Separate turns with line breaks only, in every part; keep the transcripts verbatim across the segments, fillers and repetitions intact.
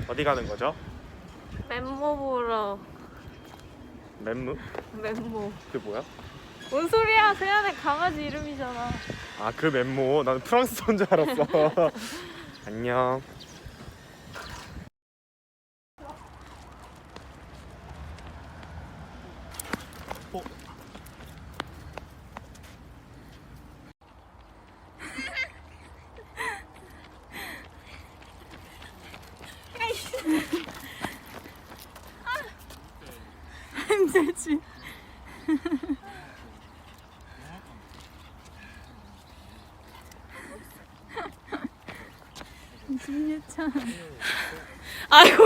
어디 가는 거죠?
멤모 보러.
멤무?
멤모.
그게 뭐야?
뭔 소리야? 세안의 강아지 이름이잖아.
아 그 멤모. 나는 프랑스어인 줄 알았어. 안녕. 어?
힘들지. 진유찬. 아이고.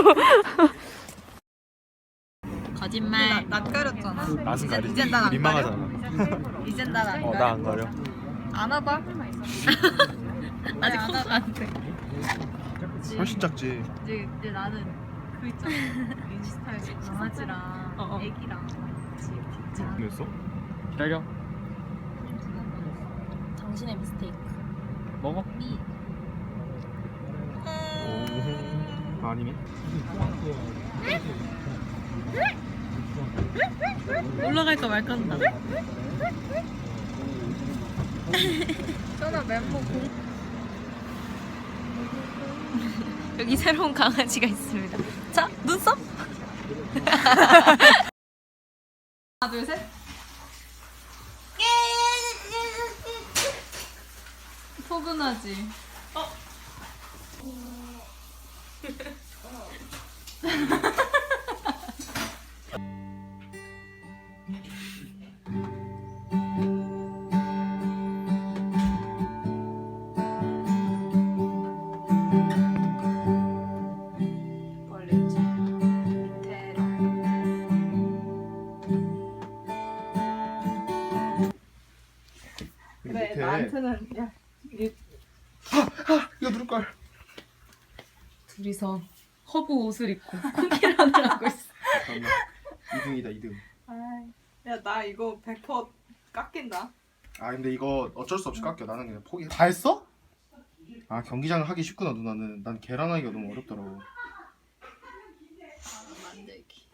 거짓말. 나 가렸잖아.
낯은 가리지.
이젠 난안
민망하잖아.
이젠 난안
어, 나 안 가려.
안 와봐. 아직 커서 안 돼.
훨씬 작지.
이제 이제 나는 그 있잖아. 인스타에 강아지랑
어, 어.
애기랑 같이 뒷장.
됐어? 기다려.
당신의 미스테이크.
먹어.
미.
오. 아니네.
올라갈까 말까 한다. 저는 멤버 공.
여기 새로운 강아지가 있습니다. 자, 눈썹.
하나 둘 셋. 포근하지. 어. 멀리지. 밑에로.
그래
나한테는 야.
이거 누를 걸.
둘이서 허브 옷을 입고 쿠키런을 하고 있어.
잠깐만. 이 등이다 이 등.
야 나 이거 백 퍼센트 깎인다.
아 근데 이거 어쩔 수 없이 깎여. 나는 그냥 포기. 다 했어? 아 경기장을 하기 쉽구나 누나는. 난 계란하기가 너무 어렵더라고.
만들기.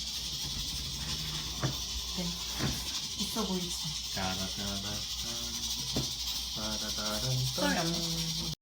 네. 있어 보이지.
짜라짜라. 짜라짜라.